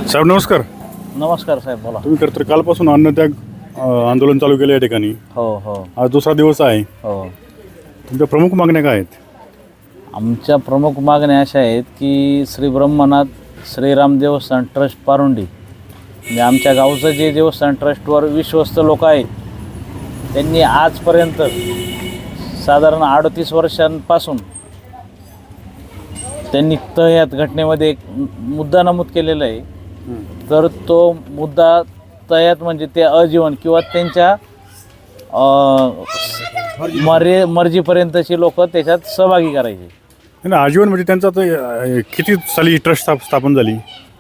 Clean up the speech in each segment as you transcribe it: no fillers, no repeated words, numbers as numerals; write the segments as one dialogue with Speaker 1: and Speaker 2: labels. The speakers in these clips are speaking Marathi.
Speaker 1: साहेब नमस्कार.
Speaker 2: नमस्कार साहेब, बोला.
Speaker 1: तुम्ही तर कालपासून अन्नत्याग आंदोलन चालू केलं या ठिकाणी.
Speaker 2: हो हो
Speaker 1: आज दुसरा दिवस आहे.
Speaker 2: हो.
Speaker 1: तुमच्या प्रमुख मागण्या काय आहेत?
Speaker 2: आमच्या प्रमुख मागण्या अशा आहेत की श्री ब्रह्मनाथ श्रीराम देवस्थान ट्रस्ट पारुंडी, म्हणजे आमच्या गावचं जे देवस्थान ट्रस्टवर विश्वस्त लोक आहेत, त्यांनी आजपर्यंत साधारण 38 वर्षांपासून त्यांनी यात घटनेमध्ये एक मुद्दा नमूद केलेला आहे. तर तो मुद्दा तयात म्हणजे ते आजीवन किंवा त्यांच्या मर्जीपर्यंतची लोक त्याच्यात सहभागी करायचे.
Speaker 1: नाही, आजीवन म्हणजे त्यांचं आता किती साली ट्रस्ट स्थापन झाली?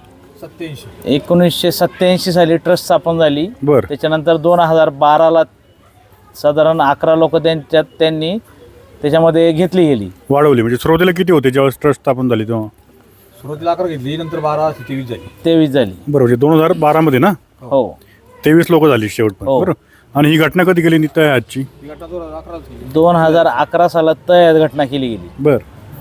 Speaker 2: 1987 साली ट्रस्ट स्थापन झाली.
Speaker 1: बरं.
Speaker 2: त्याच्यानंतर 2012ला साधारण 11 लोक त्यांनी त्याच्यामध्ये घेतली गेली,
Speaker 1: वाढवली. म्हणजे सुरुवातीला किती होते जेव्हा ट्रस्ट स्थापन झाली तेव्हा?
Speaker 3: सुरुवातीला 11 घेतली, नंतर 12 ते 23 झाली.
Speaker 2: 23 झाली.
Speaker 1: बरं, म्हणजे 2012 मध्ये ना?
Speaker 2: हो.
Speaker 1: 23 लोक झाली शेवट.
Speaker 2: हो.
Speaker 1: बरं. आणि ही घटना कधी केली नित्य आजची?
Speaker 2: 2011 सालात तयात घटना केली गेली.
Speaker 1: बरं.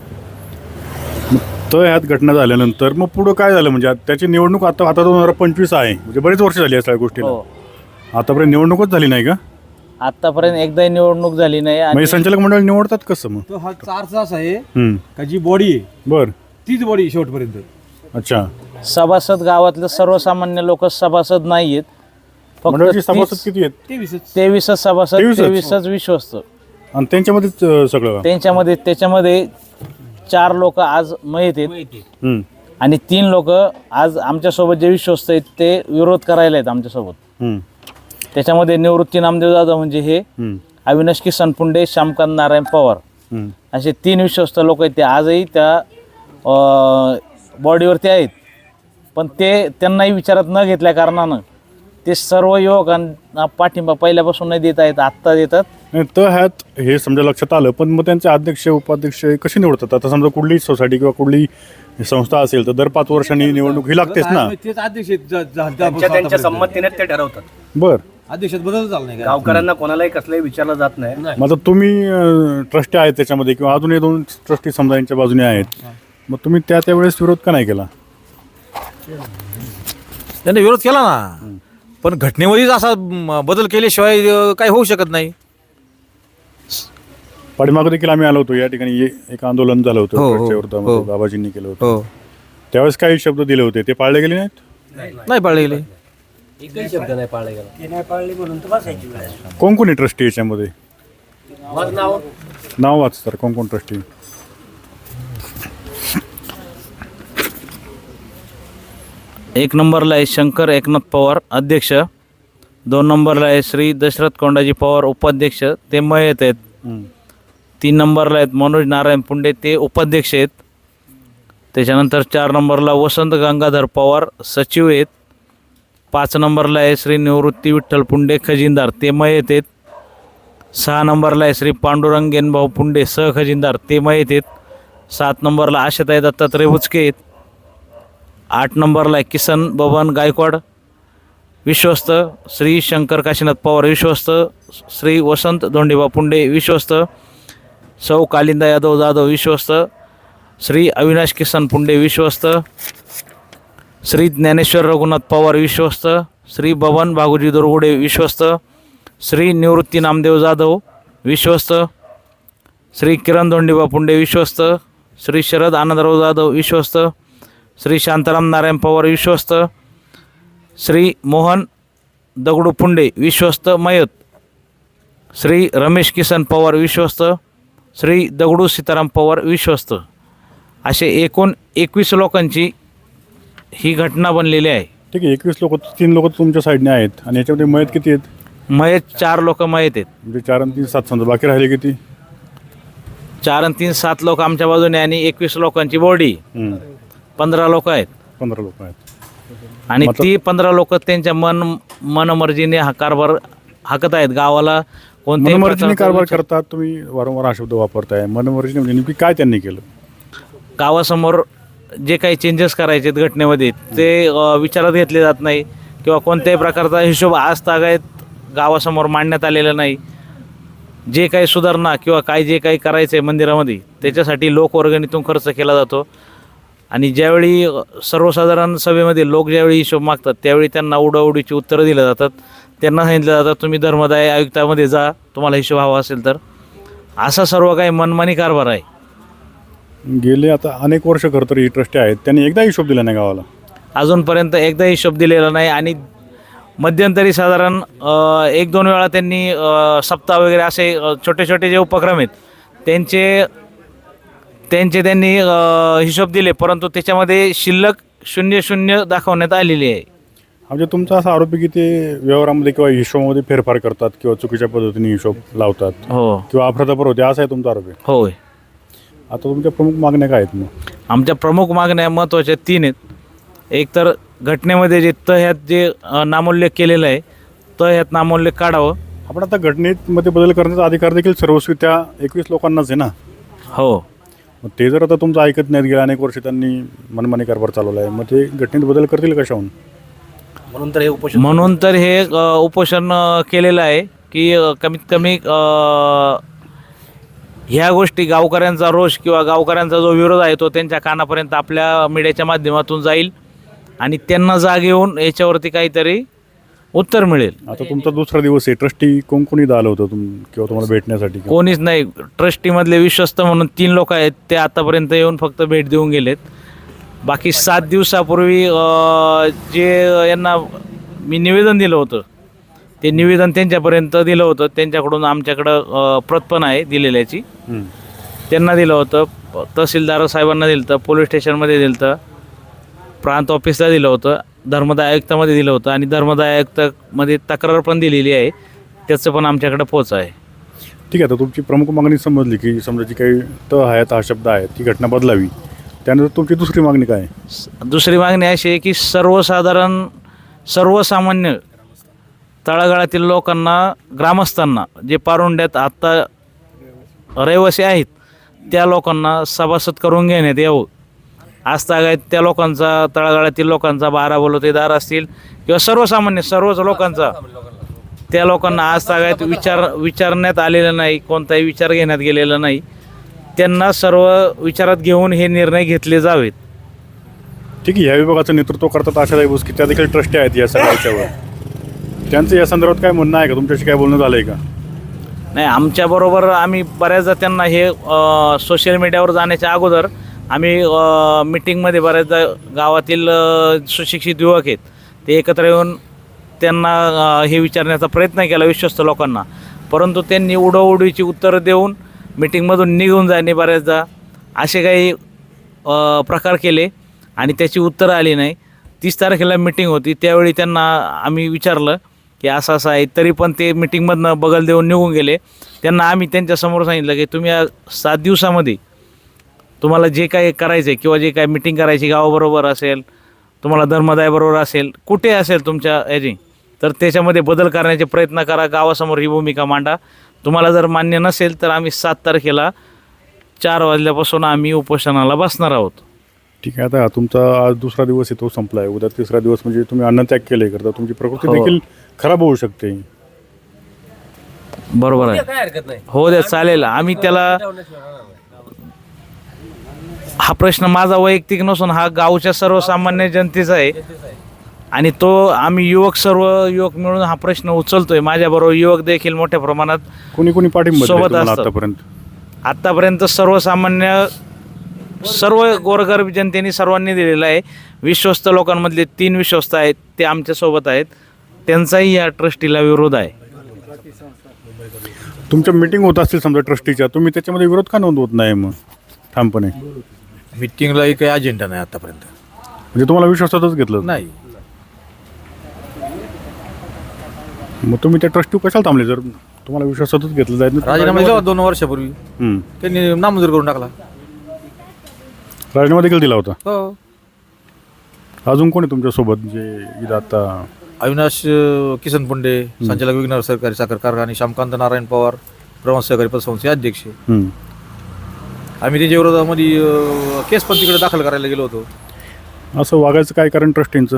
Speaker 1: तर ह्यात घटना झाल्यानंतर मग पुढं काय झालं? म्हणजे त्याची निवडणूक आता 2025 आहे, म्हणजे बरेच वर्ष झाली या सगळ्या गोष्टीला.
Speaker 2: हो.
Speaker 1: आतापर्यंत निवडणूकच झाली नाही का?
Speaker 2: आतापर्यंत एकदाही निवडणूक झाली नाही.
Speaker 1: म्हणजे संचालक मंडळ निवडतात कसं मग?
Speaker 3: तो हा चारचा असा आहे का जी बॉडी आहे
Speaker 1: बरं.
Speaker 3: तीच बॉडी शेवटपर्यंत.
Speaker 1: अच्छा.
Speaker 2: सभासद गावातले सर्वसामान्य लोक सभासद नाही आहेत.
Speaker 1: मंडळाची सभासद किती आहेत?
Speaker 2: 23 सभासद, 23 विश्वस्त.
Speaker 1: आणि त्यांच्यामध्येच सगळं?
Speaker 2: त्याच्यामध्ये 4 लोक आज मयत आहेत आणि 3 लोक आज आमच्यासोबत जे विश्वस्त आहेत ते विरोध करायला आहेत आमच्यासोबत. त्याच्यामध्ये निवृत्ती नामदेव जाधव म्हणजे हे, अविनाश किसन पुंडे, श्यामकांत नारायण पवार असे 3 विश्वस्त लोक आहेत. ते आजही त्या बॉडीवरती आहेत, पण ते त्यांनाही विचारात न घेतल्या कारणानं ते सर्व युवकांना पाठिंबा पहिल्यापासून नाही देत आहेत, आत्ता देतात.
Speaker 1: नाही तर ह्यात हे समजा लक्षात आलं, पण मग त्यांचे अध्यक्ष उपाध्यक्ष कसे निवडतात? आता समजा कुठलीही सोसायटी किंवा कुठली संस्था असेल तर दर 5 वर्षांनी निवडणूक ही लागतेच ना?
Speaker 3: तेच अध्यक्ष
Speaker 4: त्यांच्या संमतीने ते ठरवतात.
Speaker 1: बर.
Speaker 3: अध्यक्षात बदल झाला नाही.
Speaker 4: गावकऱ्यांना कोणालाही कसलाही विचारलं जात नाही.
Speaker 1: मग आता तुम्ही ट्रस्टी आहेत त्याच्यामध्ये, किंवा अजून 2 ट्रस्टी समजा यांच्या बाजूने आहेत, मग तुम्ही त्यावेळेस विरोध का नाही केला?
Speaker 5: त्यांनी विरोध केला ना, पण घटनेमध्येच असा बदल केल्याशिवाय काही होऊ शकत नाही.
Speaker 1: पाठीमागे देखील आम्ही आलो होतो या ठिकाणी, एक आंदोलन झालं होतं
Speaker 5: हो,
Speaker 1: ट्रस्टच्या विरोधामध्ये,
Speaker 5: हो.
Speaker 1: बाबाजींनी केलं होतं.
Speaker 5: हो.
Speaker 1: त्यावेळेस काही शब्द दिले होते, ते पाळले गेले नाहीत?
Speaker 5: नाही पाळले गेले.
Speaker 4: एकही शब्द नाही पाळला गेला.
Speaker 1: कोण कोण आहे ट्रस्टी याच्यामध्ये? नाव वाच तर, कोण कोण ट्रस्टी?
Speaker 2: एक नंबरला आहे शंकर एकनाथ पवार, अध्यक्ष. 2 नंबरला आहे श्री दशरथ कोंडाजी पवार, उपाध्यक्ष, ते मयत आहेत. 3 नंबरला आहेत मनोज नारायण पुंडे, ते उपाध्यक्ष आहेत. त्याच्यानंतर 4 नंबरला वसंत गंगाधर पवार, सचिव आहेत. 5 नंबरला आहे श्री निवृत्ती विठ्ठल पुंडे, खजिनदार, ते मयत आहेत. 6 नंबरला आहे श्री पांडुरंग गेनभाऊ पुंडे, सहखजिनदार, ते मयत आहेत. 7 नंबरला आशाताई दत्तात्रय बुचके आहेत. 8 नंबरला आहे किसन बबन गायकवाड, विश्वस्त. श्री शंकर काशीनाथ पवार, विश्वस्त. श्री वसंत धोंडेबा पुंडे, विश्वस्त. सौ कालिंदा यादव जाधव, विश्वस्त. श्री अविनाश किसन पुंडे, विश्वस्त. श्री ज्ञानेश्वर रघुनाथ पवार, विश्वस्त. श्री बबन भागोजी दुर्गुडे, विश्वस्त. श्री निवृत्ती नामदेव जाधव, विश्वस्त. श्री किरण धोंडेबा पुंडे, विश्वस्त. श्री शरद आनंदराव जाधव, विश्वस्त. श्री शांताराम नारायण पवार, विश्वस्त. श्री मोहन दगडू पुंडे, विश्वस्त, मयत. श्री रमेश किसन पवार, विश्वस्त. श्री दगडू सीताराम पवार, विश्वस्त. असे एकूण 21 लोकांची ही घटना बनलेली आहे.
Speaker 1: ठीक आहे. 21 लोक, 3 लोक तुमच्या साईडने आहेत, आणि याच्यामध्ये मयत किती आहेत?
Speaker 2: मयत 4 लोक मयत आहेत.
Speaker 1: म्हणजे 4 आणि 3 7 समजा, बाकी राहिले किती?
Speaker 2: 4 आणि 3 7 लोक आमच्या बाजूने, आणि 21 लोकांची बॉडी 15 लोक आहेत.
Speaker 1: 15 लोक आहेत.
Speaker 2: आणि ती 15 लोक त्यांच्या मनमर्जीने हा कारभार हाकत आहेत. गावाला कोणत्याही
Speaker 1: मनमर्जीने
Speaker 2: प्रकारचा
Speaker 1: कारभार करतात. तुम्ही वारंवार हा शब्द वापरताय, मनमर्जीने. म्हणजे नेमकी काय त्यांनी केलं?
Speaker 2: गावासमोर जे काही चेंजेस करायचे आहेत घटनेमध्ये, ते विचारात घेतले जात नाही, किंवा कोणत्याही प्रकारचा हिशोब आज तागायत गावासमोर मांडण्यात आलेला नाही. जे काही सुधारणा किंवा काय जे काही करायचं आहे मंदिरामध्ये, त्याच्यासाठी लोकवर्गणीतून खर्च केला जातो. आणि ज्यावेळी सर्वसाधारण सभेमध्ये लोक ज्यावेळी हिशोब मागतात त्यावेळी त्यांना उडाउडीची उत्तरं दिली जातात. त्यांना सांगितलं जातं तुम्ही धर्मदाय आयुक्तामध्ये जा तुम्हाला हिशोब हवा असेल तर. असा सर्व काही मनमानी कारभार आहे.
Speaker 1: गेले आता अनेक वर्ष खरं तर ही ट्रस्टी आहेत, त्यांनी एकदा हिशोब दिला नाही गावाला.
Speaker 2: अजूनपर्यंत एकदा हिशोब दिलेला नाही आणि मध्यंतरी साधारण 1-2 वेळा त्यांनी सप्ताह वगैरे असे छोटे छोटे जे उपक्रम आहेत त्यांनी हिशोब दिले, परंतु त्याच्यामध्ये शिल्लक 0-0 दाखवण्यात आलेली आहे.
Speaker 1: म्हणजे तुमचा असा आरोप आहे की ते व्यवहारामध्ये किंवा हिशोबामध्ये फेरफार करतात किंवा चुकीच्या पद्धतीने हिशोब लावतात
Speaker 2: हो
Speaker 1: किंवा अफरातफर होते, असा आहे तुमचा आरोप आहे.
Speaker 2: होय.
Speaker 1: आता तुमच्या प्रमुख मागण्या काय आहेत मग?
Speaker 2: आमच्या प्रमुख मागण्या महत्त्वाच्या 3 आहेत. एक तर घटनेमध्ये जे ह्यात जे नामोल्लेख केलेलं आहे ह्यात नामोल्लेख काढावं.
Speaker 1: आपण आता घटनेमध्ये बदल करण्याचा अधिकार देखील सर्वस्वी त्या 21 लोकांनाच आहे ना.
Speaker 2: हो.
Speaker 1: मग ते जर आता तुमचं ऐकत नाहीत, गेल्या अनेक वर्ष त्यांनी मनमानी कारभार चालवला आहे, मग ते घटनेत बदल करतील कशाहून?
Speaker 4: म्हणून तर हे
Speaker 2: उपोषण केलेलं आहे की कमीत कमी ह्या गोष्टी गावकऱ्यांचा रोष किंवा गावकऱ्यांचा जो विरोध आहे तो त्यांच्या कानापर्यंत आपल्या मीडियाच्या माध्यमातून जाईल आणि त्यांना जाग येऊन याच्यावरती काहीतरी उत्तर मिळेल.
Speaker 1: आता तुमचा दुसरा दिवस आहे, ट्रस्टी कोणी आलं होतं किंवा तुम्हाला भेटण्यासाठी?
Speaker 2: कोणीच नाही. ट्रस्टीमधले विश्वस्त म्हणून 3 लोक आहेत ते आतापर्यंत येऊन फक्त भेट देऊन गेलेत. बाकी 7 दिवसापूर्वी जे यांना मी निवेदन दिलं होतं ते निवेदन त्यांच्यापर्यंत दिलं होतं. त्यांच्याकडून आमच्याकडं प्रत पण आहे दिलेल्याची. त्यांना दिलं होतं, तहसीलदार साहेबांना दिलं होतं, पोलीस स्टेशनमध्ये दिलं होतं, प्रांत ऑफिसला दिलं होतं, धर्मदाय आयुक्तामध्ये दिलं होतं आणि धर्मदाय आयुक्तामध्ये तक्रार पण दिलेली आहे. त्याचं पण आमच्याकडं पोच आहे.
Speaker 1: ठीक आहे. तर तुमची प्रमुख मागणी समजली की समजा जी काही आहेत हा शब्द आहे ती घटना बदलावी. त्यानंतर तुमची दुसरी मागणी काय आहे?
Speaker 2: दुसरी मागणी अशी आहे की सर्वसामान्य तळागाळातील लोकांना, ग्रामस्थांना, जे पारुंड्यात आत्ता रहिवासी आहेत त्या लोकांना सभासद करून घेण्यात यावं. आजतागायत त्या लोकांचा, तळागाळातील लोकांचा, 12 बलुतेदार असतील किंवा सर्वसामान्य सर्वच लोकांचा, त्या लोकांना आजतागायत विचारण्यात आलेलं नाही, कोणताही विचार घेण्यात गेलेला नाही. त्यांना सर्व विचारात घेऊन हे निर्णय घेतले जावेत.
Speaker 1: ठीक आहे. ह्या विभागाचं नेतृत्व करतात आशाताई की त्या देखील ट्रस्टी आहेत या सगळ्याच्यावर. त्यांचं या संदर्भात काय म्हणणं आहे का? तुमच्याशी काय बोलणं झालं आहे का?
Speaker 2: नाही, आमच्याबरोबर आम्ही बऱ्याचदा त्यांना हे सोशल मीडियावर जाण्याच्या अगोदर आम्ही मिटिंगमध्ये बऱ्याचदा गावातील सुशिक्षित युवक आहेत ते एकत्र येऊन त्यांना हे विचारण्याचा प्रयत्न केला विश्वस्त लोकांना, परंतु त्यांनी उडवडीची उत्तरं देऊन मिटिंगमधून निघून जाणे बऱ्याचदा असे काही प्रकार केले आणि त्याची उत्तरं आली नाही. 30 तारखेला मिटिंग होती त्यावेळी त्यांना आम्ही विचारलं की असं असं आहे, तरी पण ते मिटिंगमधनं बगल देऊन निघून गेले. त्यांना आम्ही त्यांच्यासमोर सांगितलं की तुम्ही या 7 दिवसामध्ये तुम्हाला जे काही करायचं आहे किंवा जे काही मिटिंग करायची गावाबरोबर असेल, तुम्हाला धर्मदायाबरोबर असेल, कुठे असेल तुमच्या ह्याची, तर त्याच्यामध्ये बदल करण्याचे प्रयत्न करा, गावासमोर ही भूमिका मांडा. तुम्हाला जर मान्य नसेल तर आम्ही 7 तारखेला 4 वाजल्यापासून आम्ही उपोषणाला बसणार आहोत.
Speaker 1: ठीक आहे. आता तुमचा आज दुसरा दिवस आहे तो संपला आहे, उद्या तिसरा दिवस म्हणजे तुम्ही अन्नत्याग केले करता, तुमची प्रकृती देखील खराब होऊ शकते.
Speaker 2: बरोबर आहे.
Speaker 4: काय हरकत नाही.
Speaker 2: हो द्या, चालेल. आम्ही त्याला, हा प्रश्न माझा वैयक्तिक नसून हा गावच्या सर्वसामान्य जनतेचा आहे आणि तो आम्ही सर्व युवक मिळून हा प्रश्न उचलतोय. माझ्याबरोबर युवक देखील मोठ्या प्रमाणात
Speaker 1: कोणी पाठिंबा दिला
Speaker 2: सोबत
Speaker 1: तुम्हाला
Speaker 2: असतात.
Speaker 1: आतापर्यंत
Speaker 2: सर्वसामान्य सर्व गोरगरीब जनतेने सर्वांनी दिलेला आहे. विश्वस्त लोकांमधले 3 विश्वस्त आहेत ते आमच्यासोबत आहेत, त्यांचाही या ट्रस्टीला विरोध आहे.
Speaker 1: तुमच्या मीटिंग होत असतील समजा ट्रस्टीच्या, तुम्ही त्याच्यामध्ये विरोध का नोंदवत नाही मग ठामपणे?
Speaker 5: मिटिंगला काही अजेंडा नाही आतापर्यंत.
Speaker 1: म्हणजे तुम्हाला विश्वासातच घेतलं
Speaker 5: नाही.
Speaker 1: मग तुम्ही त्या ट्रस्टी कशाला थांबले जर तुम्हाला विश्वासातच घेतलं जायचं नाही?
Speaker 5: राजीनामा दिला 2 वर्षापूर्वी, त्यांनी नामंजूर करून टाकला.
Speaker 1: राजीनामा देखील दिला होता.
Speaker 5: हो.
Speaker 1: अजून कोणी तुमच्यासोबत जे इथं आता?
Speaker 5: अविनाश किसन पुंडे, संचालक विघ्नर सहकारी साखर कारखाना, श्यामकांत नारायण पवार, प्रवास सहकारी पतसंस्थेचे अध्यक्ष. आम्ही त्याच्या विरोधामध्ये केस पण तिकडे दाखल करायला गेलो होतो.
Speaker 1: असं वागायचं काय कारण ट्रस्टींचं?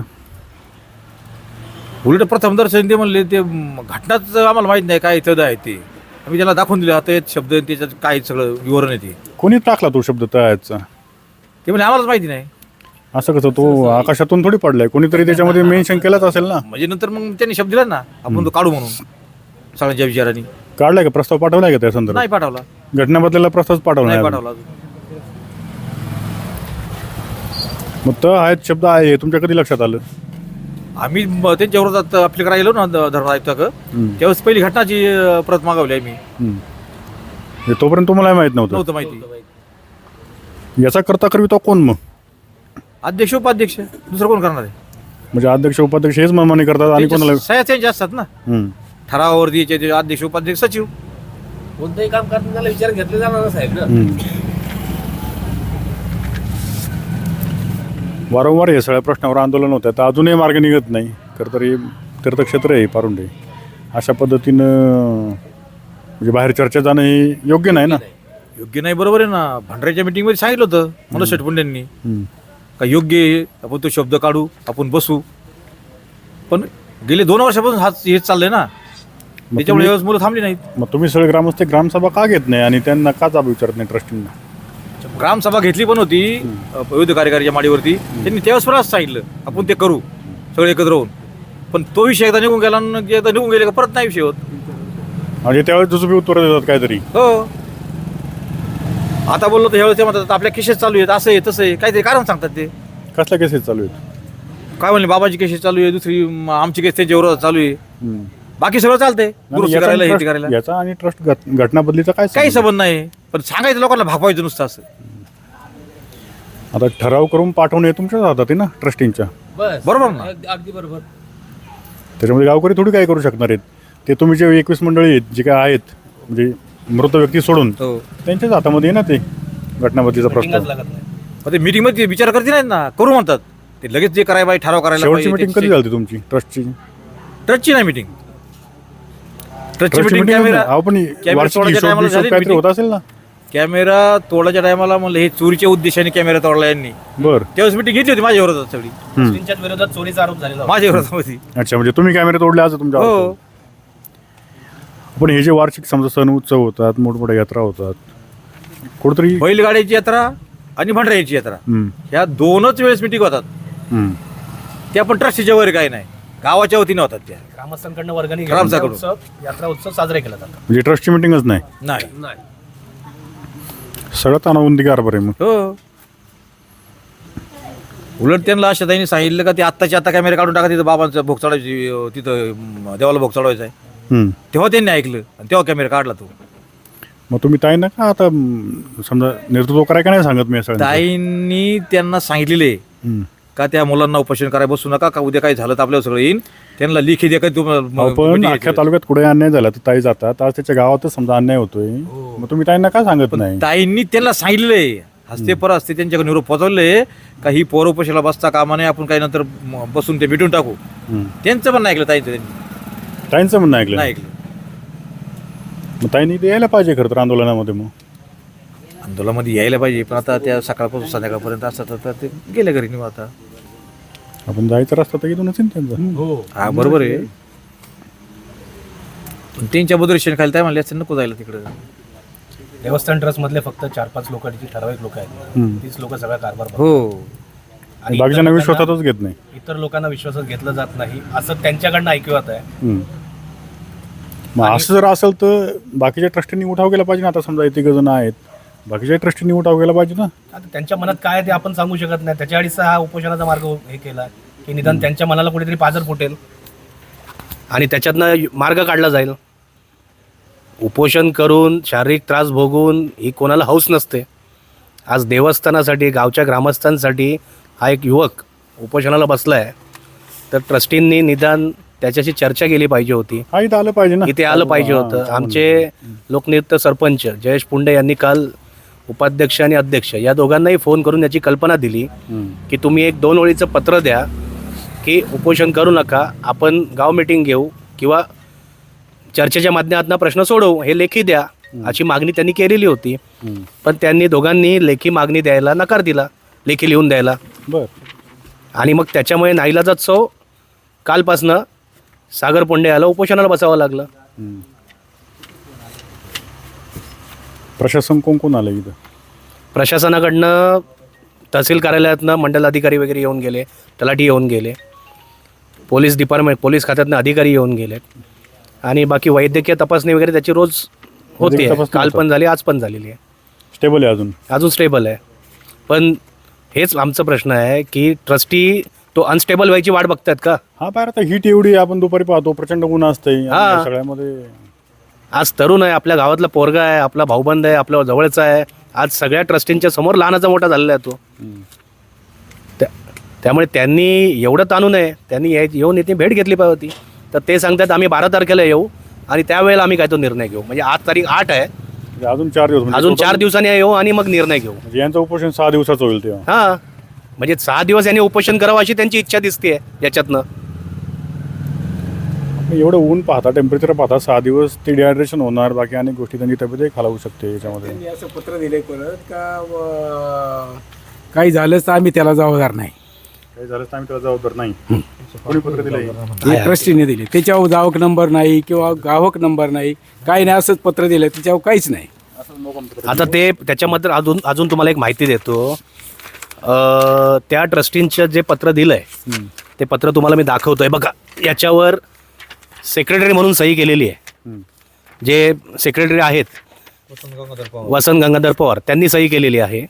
Speaker 5: उलट प्रथम दर्शन ते म्हणले ते घटनाच आम्हाला माहीत नाही काय इथं आहे ते. आम्ही त्याला दाखवून दिले आता शब्द त्याच्यात काय सगळं विवरण आहे ते.
Speaker 1: कोणी टाकला तो शब्द तळ्याचा?
Speaker 5: ते म्हणजे आम्हालाच माहिती नाही.
Speaker 1: असं कसं तो आकाशातून थोडी पडलाय, कोणीतरी त्याच्यामध्ये मेन्शन केलंच असेल ना.
Speaker 5: म्हणजे नंतर मग त्यांनी शब्द दिला ना आपण तो काढू म्हणून सगळ्यांच्या विचारांनी.
Speaker 1: काढलाय का प्रस्ताव, पाठवलाय का त्या संदर्भात?
Speaker 5: नाही पाठवला,
Speaker 1: घटना बदलायला प्रस्ताव पाठवला
Speaker 5: नाही
Speaker 1: नाही अजून.
Speaker 5: पाठवला अजून.
Speaker 1: मग तर आहेत शब्द आहे, तुमच्या कधी लक्षात आलं?
Speaker 5: आम्ही त्यांच्या विरोधात आपल्या करायला गेलो ना धरण आयुक्ताक, त्यावेळेस पहिली घटनाची प्रत मागवली आम्ही.
Speaker 1: हे तोपर्यंत तुम्हाला माहित नव्हतं.
Speaker 5: नव्हतं माहिती.
Speaker 1: याचा करता करविता कोण मग?
Speaker 5: अध्यक्ष उपाध्यक्ष दुसरं कोण करणार आहे?
Speaker 1: म्हणजे अध्यक्ष उपाध्यक्ष हेच मनमानी करतात आणि कोणाला
Speaker 5: सह्या त्यांच्या असतात ना
Speaker 1: हम्म.
Speaker 5: ठरावावरती याचे अध्यक्ष उपाध्यक्ष सचिव.
Speaker 4: कोणतंही काम करताना त्याला विचार घेतले जाणार ना साहेब ना.
Speaker 1: वारंवार हे सगळ्या प्रश्नावर आंदोलन होतं, तर अजूनही मार्ग निघत नाही. खरं तर हे तीर्थक्षेत्र आहे पारुंडे, अशा पद्धतीनं म्हणजे बाहेर चर्चा जाणं हे योग्य नाही ना.
Speaker 5: योग्य नाही, बरोबर आहे ना. भंडाऱ्याच्या मीटिंगमध्ये सांगितलं होतं मनोज शेटपुंडेंनी
Speaker 1: हम्म.
Speaker 5: का योग्य आहे, आपण तो शब्द काढू, आपण बसू. पण गेले 2 वर्षापासून हेच चाललंय ना, त्याच्यामुळे यावेळेस मुलं थांबली नाहीत.
Speaker 1: मग तुम्ही सगळे ग्रामस्थ ग्रामसभा का घेत नाही आणि त्यांना का जाब विचारत नाही ट्रस्टींना?
Speaker 5: ग्रामसभा घेतली पण होती विविध कार्यकारीच्या माडीवरती, त्यांनी त्यावेळेस पण असं सांगितलं आपण ते करू सगळे एकत्र होऊन. पण तो विषय एकदा निघून गेला आणि एकदा निघून गेले का परत नाही विषय होत.
Speaker 1: म्हणजे त्यावेळेस दुसरी उत्तरं देतात काहीतरी.
Speaker 5: हो, आता बोललो तर ह्यावेळेस ते म्हणतात आपल्या केसेस चालू आहेत, असं आहे तसं आहे, काहीतरी कारण सांगतात ते.
Speaker 1: कसल्या केसेस चालू आहेत?
Speaker 5: काय म्हणले बाबाची केसेस चालू आहे, दुसरी आमची केस त्यांच्या विरोधात चालू आहे.
Speaker 1: हम्म.
Speaker 5: बाकी सगळं चालतंय,
Speaker 1: आणि
Speaker 5: दुरुस्ती
Speaker 1: याचा
Speaker 5: करायला
Speaker 1: आणि
Speaker 5: हे ते
Speaker 1: ट्रस्ट-
Speaker 5: करायला
Speaker 1: याचा आणि ट्रस्ट घटना बदलीचा काय
Speaker 5: काही
Speaker 1: संबंध?
Speaker 5: संबंध नाही. पण सांगायचं लोकांना भागवायचं नुसतं असं.
Speaker 1: आता ठराव करून पाठवणे हे तुमच्याच हातात आहे ना ट्रस्टींच्या.
Speaker 4: बस
Speaker 5: बरोबर ना.
Speaker 4: अगदी बरोबर.
Speaker 1: त्याच्यामध्ये गावकरी थोडी काय करू शकणार आहेत. ते तुम्ही जे 21 मंडळी आहेत जे काय आहेत, म्हणजे मृत व्यक्ती सोडून
Speaker 5: हो,
Speaker 1: त्यांच्याच हातामध्ये आहे ना ते घटना बदलीचा
Speaker 4: मीटिंगच
Speaker 1: प्रस्ताव.
Speaker 4: लागत नाही.
Speaker 5: मग ते मीटिंग मध्ये विचार करते नाहीत ना, करू म्हणतात ते लगेच जे करायला पाहिजे ठराव करायला
Speaker 1: शेवटची
Speaker 5: पाहिजे.
Speaker 1: मीटिंग कधी झाली तुमची ट्रस्टची?
Speaker 5: ट्रस्टची नाही मीटिंग. ट्रस्टची
Speaker 1: ट्रस्टची
Speaker 5: मीटिंग
Speaker 1: मीटिंग
Speaker 5: कॅमेरा
Speaker 1: आपण
Speaker 5: कॅमेरा
Speaker 1: वार्षिक
Speaker 5: तोडायच्या
Speaker 1: हिशोब
Speaker 5: टायमाला
Speaker 1: बिशोब
Speaker 5: झाली
Speaker 1: काहीतरी
Speaker 5: meeting.
Speaker 1: होत असेल ना.
Speaker 5: कॅमेरा तोडाच्या टायमाला म्हणलं हे चोरीच्या उद्देशाने कॅमेरा तोडला यांनी,
Speaker 1: बरं.
Speaker 5: त्यावेळेस मीटिंग घेतली होती माझ्या विरोधात सगळी.
Speaker 4: मुस्लिमच्याच विरोधात चोरीचा आरोप झालेला होता.
Speaker 5: माझ्या विरोधामध्ये.
Speaker 1: अच्छा, म्हणजे तुम्ही कॅमेरे तोडले आज तुमच्या
Speaker 5: हो,
Speaker 1: हातात. पण हे जे वार्षिक समजा सण उत्सव होतात, मोठमोठ्या यात्रा होतात, कुठेतरी
Speaker 5: बैलगाड्याची यात्रा आणि भंडाऱ्याची यात्रा
Speaker 1: हम्म,
Speaker 5: ह्या 2च वेळेस मीटिंग होतात.
Speaker 1: हम्म.
Speaker 5: त्या पण ट्रस्टीच्या वगैरे काही नाही, गावाच्या वतीने होतात त्या.
Speaker 4: ग्रामस्थांकडनं वर्गणी घेऊन
Speaker 5: ग्रामस्थांकडून.
Speaker 4: उत्सव यात्रा उत्सव साजरे केला जातो.
Speaker 1: म्हणजे ट्रस्टची मीटिंगच नाही,
Speaker 5: नाही.
Speaker 4: नाही
Speaker 1: सगळं तानाबंदी कारभार आहे मग.
Speaker 5: हो, उलट त्यांना अशा त्यांनी सांगितलं का ते आत्ताच्या आता कॅमेरा काढून टाका, तिथं बाबांचं भोग चढायची, तिथं देवाला भोग चढवायचा आहे.
Speaker 1: हम्म.
Speaker 5: तेव्हा त्यांनी ऐकलं आणि तेव्हा कॅमेरा काढला तो.
Speaker 1: मग तुम्ही ताई ना का आता समजा नेतृत्व कराय का नाही सांगत मी सगळं?
Speaker 5: ताईंनी त्यांना सांगितलेले का त्या मुलांना उपोषण करायला बसू नका, का उद्या काही झालं तर आपल्याला सगळं येईन. त्यांना लिखी द्या का
Speaker 1: पण अख्ख्या तालुक्यात कुठे अन्याय झाला तर ताई जातात, आज त्याच्या गावातच समजा अन्याय होतोय, मग तुम्ही ताईंना का सांगत नाही?
Speaker 5: ताईंनी त्यांना सांगितलेले हस्ते पर हस्ते त्यांच्याकडे निरोप पोहोचवले का ही पोर उपोषणाला बसता कामा नये, आपण काही नंतर बसून ते मिटून टाकू. त्यांचं पण नाही ऐकलं ताईंचं, त्यांनी
Speaker 1: ताईंचं म्हणणं ऐकलं
Speaker 5: नाही
Speaker 1: नाही.
Speaker 5: ऐकलं.
Speaker 1: मग ताईंनी ते यायला पाहिजे खरं तर आंदोलनामध्ये. मग
Speaker 5: आंदोलनामध्ये यायला पाहिजे, पण आता त्या सकाळपासून संध्याकाळपर्यंत असतात तर ते गेले घरी निघून. आता
Speaker 1: आपण जायचं रस्ता तर इथूनच आहे ना त्यांचा.
Speaker 5: हा बरोबर आहे, पण त्यांच्या बदरेशन खाली काय म्हणले असते नको जायला तिकडं.
Speaker 4: देवस्थान ट्रस्ट मधले फक्त 4-5 लोकांची ठराविक लोक आहेत,
Speaker 1: हम्म.
Speaker 4: तीच लोक सगळा कारभार बघतात.
Speaker 5: हो,
Speaker 4: आणि
Speaker 1: बाकीच्यांना
Speaker 4: इतर
Speaker 1: विश्वासातच घेत नाही.
Speaker 4: इतर लोकांना विश्वासात घेतलं जात नाही असं त्यांच्याकडनं ऐकवत आहे.
Speaker 1: हम्म. मग असं जर असेल तर बाकीच्या ट्रस्टींनी उठाव केला पाहिजे ना. आता समजा इथे जण आहेत, बाकीच्या ट्रस्टींनी उठाव केला पाहिजे ना.
Speaker 4: आता त्यांच्या मनात काय आहे ते आपण सांगू शकत नाही. त्याच्याआधीच हा उपोषणाचा मार्ग हे केला की निदान त्यांच्या मनाला कुठेतरी पाझर फुटेल आणि त्याच्यातनं मार्ग काढला जाईल. उपोषण करून शारीरिक त्रास भोगून ही कोणाला हौस नसते. आज देवस्थानासाठी, गावच्या ग्रामस्थांसाठी हा एक युवक उपोषणाला बसला आहे, तर ट्रस्टींनी निदान त्याच्याशी चर्चा केली पाहिजे होती.
Speaker 1: हा, इथं आलं पाहिजे ना.
Speaker 4: इथे आलं पाहिजे होतं. आमचे लोकनियुक्त सरपंच जयेश पुंडे यांनी काल उपाध्यक्ष आणि अध्यक्ष या दोघांनाही फोन करून याची कल्पना दिली की तुम्ही एक 2 ओळीचं पत्र द्या की उपोषण करू नका, आपण गाव मीटिंग घेऊ किंवा चर्चेच्या माध्यमातून प्रश्न सोडवू, हे लेखी द्या अशी मागणी त्यांनी केलेली होती. पण त्यांनी दोघांनी लेखी मागणी द्यायला नकार दिला, लेखी लिहून द्यायला.
Speaker 1: बर.
Speaker 4: आणि मग त्याच्यामुळे नाईलाजास्तव कालपासनं सागर पुंडे याला उपोषणाला बसावं लागलं.
Speaker 1: प्रशासन कोण कोण आलं इथं?
Speaker 4: प्रशासनाकडनं तहसील कार्यालयातनं मंडल अधिकारी वगैरे येऊन गेले, तलाठी येऊन गेले, पोलीस डिपार्टमेंट पोलीस खात्यातनं अधिकारी येऊन गेलेत आणि बाकी वैद्यकीय तपासणी वगैरे त्याची रोज होते.
Speaker 1: वैद्यकीय तपासणी
Speaker 4: काल
Speaker 1: होतात.
Speaker 4: पण झाली, आज पण झालेली आहे,
Speaker 1: स्टेबल आहे
Speaker 4: अजून स्टेबल आहे. पण हेच आमचा प्रश्न आहे की ट्रस्टी तो अनस्टेबल व्हायची वाट बघतात का?
Speaker 1: हा बाहेर आता हीट एवढी आपण दुपारी पाहतो, प्रचंड ऊन असते
Speaker 4: हा.
Speaker 1: सगळ्यामध्ये.
Speaker 4: आज तरुण आहे, आपल्या गावातला पोरगा आहे, आपला भाऊबंद आहे, आपल्या जवळचा आहे, आज सगळ्या ट्रस्टींच्या समोर लहानाचा मोठा झालेला आहे तो. त्यामुळे त्यांनी एवढं ताणू नये, त्यांनी येऊन इथे भेट घेतली पाहिजे होती. तर ते सांगतात आम्ही 12 तारखेला येऊ आणि त्यावेळेला आम्ही काय तो निर्णय घेऊ. म्हणजे आज तारीख 8 आहे,
Speaker 1: म्हणजे अजून 4 दिवस म्हणजे
Speaker 4: अजून
Speaker 1: total
Speaker 4: 4 दिवसांनी येऊ आणि मग निर्णय घेऊ.
Speaker 1: म्हणजे यांचं उपोषण 6 दिवसाचं होईल तेव्हा.
Speaker 4: हां, म्हणजे 6 दिवस यांनी उपोषण करावं अशी त्यांची इच्छा दिसते याच्यातनं.
Speaker 1: एवढं ऊन पाहता, टेम्परेचर पाहता, 6 दिवस ते डिहायड्रेशन होणार, बाकी अनेक गोष्टी त्यांची तब्येतही खालावू शकते याच्यामध्ये.
Speaker 6: त्यांनी असं पत्र दिलंय परत का काही झालंच तर आम्ही त्याला जबाबदार नाही.
Speaker 1: काही झालं तर आम्ही त्याला जबाबदार नाही. कोणी पत्र दिलंय?
Speaker 6: हे ट्रस्टीने दिले, त्याच्यावर गावक नंबर नाही किंवा गावक नंबर नाही, काही नाही, असंच पत्र दिलं, त्याच्यावर काहीच नाही.
Speaker 4: आता ते त्याच्यामध्ये अजून तुम्हाला एक माहिती देतो. त्या ट्रस्टींचं जे पत्र दिलं आहे ते पत्र तुम्हाला मी दाखवतोय बघा. याच्यावर सेक्रेटरी म्हणून सही केलेली आहे. जे सेक्रेटरी आहेत वसंत गंगाधर पवार त्यांनी सही केलेली आहे.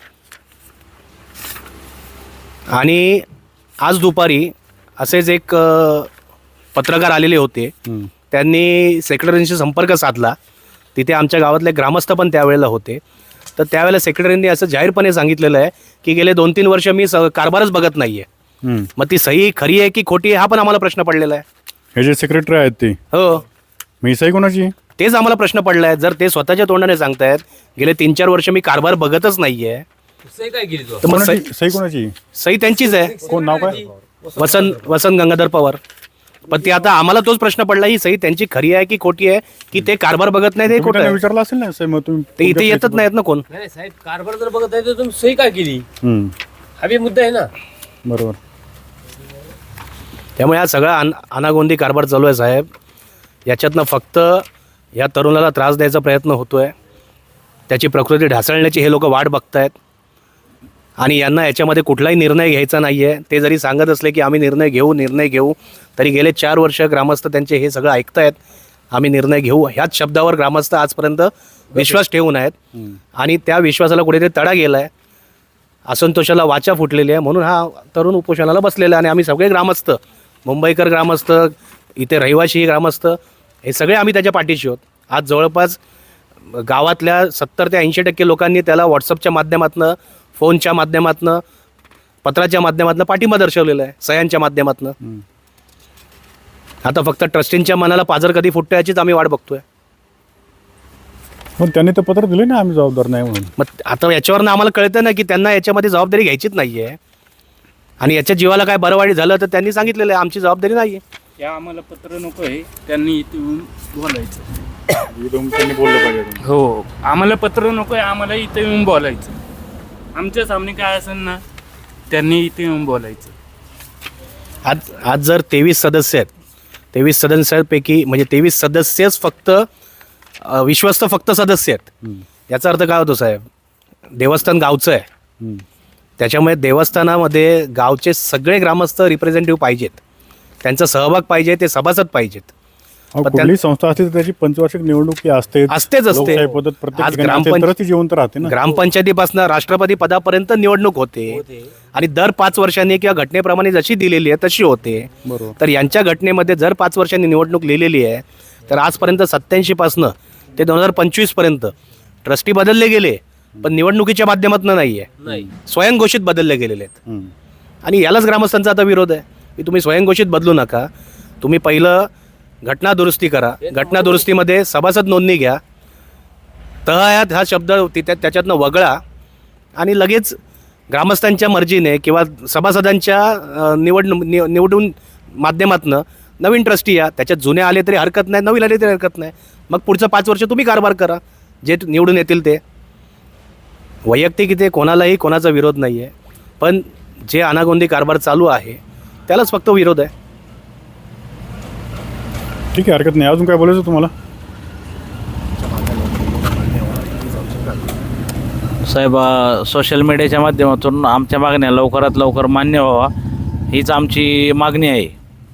Speaker 4: आणि आज दुपारी असेच एक पत्रकार आलेले होते, त्यांनी सेक्रेटरींशी संपर्क साधला. तिथे आमच्या गावातले ग्रामस्थ पण त्यावेळेला होते. तर त्यावेळेला सेक्रेटरींनी असं जाहीरपणे सांगितलेलं आहे की गेले 2-3 वर्ष मी कारभारच बघत नाही आहे. मग ती सही खरी आहे की खोटी आहे हा पण आम्हाला प्रश्न पडलेला आहे.
Speaker 1: हे जे सेक्रेटरी आहेत ते,
Speaker 4: हो,
Speaker 1: मी सही कोणाची?
Speaker 4: तेच आम्हाला प्रश्न पडला आहे. जर ते स्वतःच्या तोंडाने सांगतायत गेले 3-4 वर्ष मी कारभार बघतच नाही आहे, तर मग
Speaker 1: सही कोणाची?
Speaker 4: सही त्यांचीच आहे.
Speaker 1: कोण, नाव काय?
Speaker 4: वसंत गंगाधर पवार. पण ते आता आम्हाला तोच प्रश्न पडला, ही सही त्यांची खरी आहे की खोटी आहे, की ते कारभार बघत नाही ते
Speaker 1: तुम्ही
Speaker 4: खोटं
Speaker 1: त्यांना
Speaker 4: आहे?
Speaker 1: विचारलं असेल ना सही, मग तुम्ही
Speaker 4: ते इथे येतच नाहीत ना कोण.
Speaker 7: नाही साहेब, कारभार जर बघत आहे तर तुम्ही सही काय केली, हा बी मुद्दा आहे ना.
Speaker 1: बरोबर.
Speaker 4: त्यामुळे हा सगळा अनागोंदी कारभार चालू आहे साहेब. याच्यातनं फक्त या तरुणाला त्रास द्यायचा प्रयत्न होतो आहे, त्याची प्रकृती ढासळण्याची हे लोक वाट बघतायत आणि यांना याच्यामध्ये कुठलाही निर्णय घ्यायचा नाही आहे. ते जरी सांगत असले की आम्ही निर्णय घेऊ, तरी गेले 4 वर्ष ग्रामस्थ त्यांचे हे सगळं ऐकतायत. आम्ही निर्णय घेऊ ह्याच शब्दावर ग्रामस्थ आजपर्यंत विश्वास ठेवून आहेत आणि त्या विश्वासाला कुठेतरी तडा गेला आहे, असंतोषाला वाचा फुटलेली आहे. म्हणून हा तरुण उपोषणाला बसलेला आहे. आणि आम्ही सगळे ग्रामस्थ, मुंबईकर ग्रामस्थ, इथे रहिवाशी ग्रामस्थ, हे सगळे आम्ही त्याच्या पाठीशी आहोत. आज जवळपास गावातल्या 70 ते 80% लोकांनी त्याला व्हॉट्सअपच्या माध्यमातून, फोनच्या माध्यमातून, पत्राच्या माध्यमातून पाठिंबा दर्शवलेला आहे, सह्यांच्या माध्यमातून. आता फक्त ट्रस्टींच्या मनाला पाझर कधी फुटतं याचीच आम्ही वाट बघतोय.
Speaker 1: पण त्यांनी तर पत्र दिले ना, आम्ही जबाबदार नाही म्हणून.
Speaker 4: मग आता याच्यावरनं आम्हाला कळतं ना की त्यांना याच्यामध्ये जबाबदारी घ्यायचीच नाही आहे. आणि याच्या जीवाला काय बरं वाईट झालं तर त्यांनी सांगितलेलं आहे आमची जबाबदारी नाही आहे.
Speaker 8: या आम्हाला पत्र नको आहे, त्यांनी इथे येऊन बोलायचं.
Speaker 1: इथून त्यांनी बोललं पाहिजे.
Speaker 8: हो, आम्हाला पत्र नको आहे, आम्हाला इथे येऊन बोलायचं. आमच्या सामने काय असेल ना, त्यांनी इथे येऊन बोलायचं.
Speaker 4: आज जर 23 सदस्य आहेत, 23 सदस्यांपैकी म्हणजे 23 सदस्यच फक्त विश्वस्त फक्त सदस्य आहेत, याचा अर्थ काय होतो साहेब? देवस्थान गावचं आहे, त्याच्यामुळे देवस्थानामध्ये गावचे सगळे ग्रामस्थ रिप्रेझेंटेटिव्ह पाहिजेत, त्यांचा सहभाग पाहिजे, ते सभासद पाहिजेत.
Speaker 1: कुठली संस्था असते तर त्याची पंचवार्षिक निवडणूक ही असतेच
Speaker 4: असते.
Speaker 1: लोकशाही पद्धत प्रत्येक
Speaker 4: आज
Speaker 1: ठिकाणी असेल तरच ती जिवंत राहते ना.
Speaker 4: ग्रामपंचायतीपासून राष्ट्रपती पदापर्यंत निवडणूक होते आणि दर 5 वर्षांनी किंवा घटनेप्रमाणे जशी दिलेली आहे तशी होते.
Speaker 1: बरोबर.
Speaker 4: तर यांच्या घटनेमध्ये जर 5 वर्षांनी निवडणूक लिहिलेली आहे तर आजपर्यंत 87 पासून ते 2025 पर्यंत ट्रस्टी बदलले गेले, पण निवडणुकीच्या माध्यमातून नाही आहे, स्वयंघोषित बदलले गेलेले आहेत. आणि यालाच ग्रामस्थांचा आता विरोध आहे की तुम्ही स्वयंघोषित बदलू नका, तुम्ही पहिलं घटना दुरुस्ती करा, घटना दुरुस्तीमध्ये सभासद नोंदणी घ्या, तहयात हा शब्द त्याच्यातनं वगळा आणि लगेच ग्रामस्थांच्या मर्जीने किंवा सभासदांच्या निवडून माध्यमातून नवीन ट्रस्टी या, त्याच्यात जुने आले तरी हरकत नाही, नवीन आले तरी हरकत नाही. मग पुढचं 5 वर्ष तुम्ही कारभार करा, जे निवडून येतील ते. वैयक्तिक इथे कोणालाही कोणाचा विरोध नाही आहे, पण जे अनागोंदी कारभार चालू आहे त्यालाच फक्त विरोध आहे.
Speaker 1: ठीक आहे, हरकत नाही. अजून काय बोलायचं तुम्हाला?
Speaker 2: साहेब सोशल मीडियाच्या माध्यमातून आमच्या मागण्या लवकरात लवकर मान्य व्हावा हीच आमची मागणी आहे.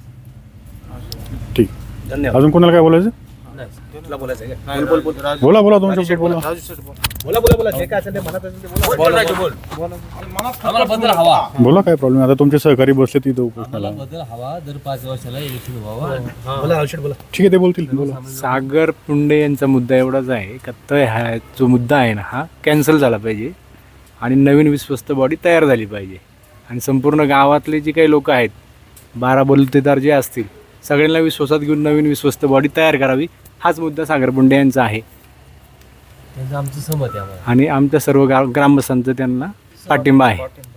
Speaker 1: ठीक.
Speaker 4: धन्यवाद.
Speaker 1: अजून कोणाला काय बोलायचं?
Speaker 4: तुला बोलायचं आहे का?
Speaker 1: बोला बोला तुमच्या बोला.
Speaker 4: बोला जे काय असेल ते मनात असेल ते बोला.
Speaker 7: आम्हाला बदल हवा.
Speaker 1: बोला काय प्रॉब्लेम. आता तुमचे सहकारी बसले तिथं उपोषणाला.
Speaker 7: बदल हवा. दर 5 वर्षाला इलेक्शन व्हावं.
Speaker 4: बोला रावशेठ बोला.
Speaker 1: ठीक आहे ते बोलतील. बोला.
Speaker 6: सागर पुंडे यांचा मुद्दा एवढाच आहे का तर हा जो मुद्दा आहे ना हा कॅन्सल झाला पाहिजे आणि नवीन विश्वस्त बॉडी तयार झाली पाहिजे आणि संपूर्ण गावातले जे काही लोक आहेत 12 बलुतेदार जे असतील सगळ्यांना विश्वासात घेऊन नवीन विश्वस्त बॉडी तयार करावी हाच मुद्दा सागर पुंडे यांचा आहे
Speaker 7: त्यांचं आमचं सहमत आहे आम्हाला.
Speaker 6: आणि आमच्या सर्व ग्रामस्थांचा त्यांना पाठिंबा आहे.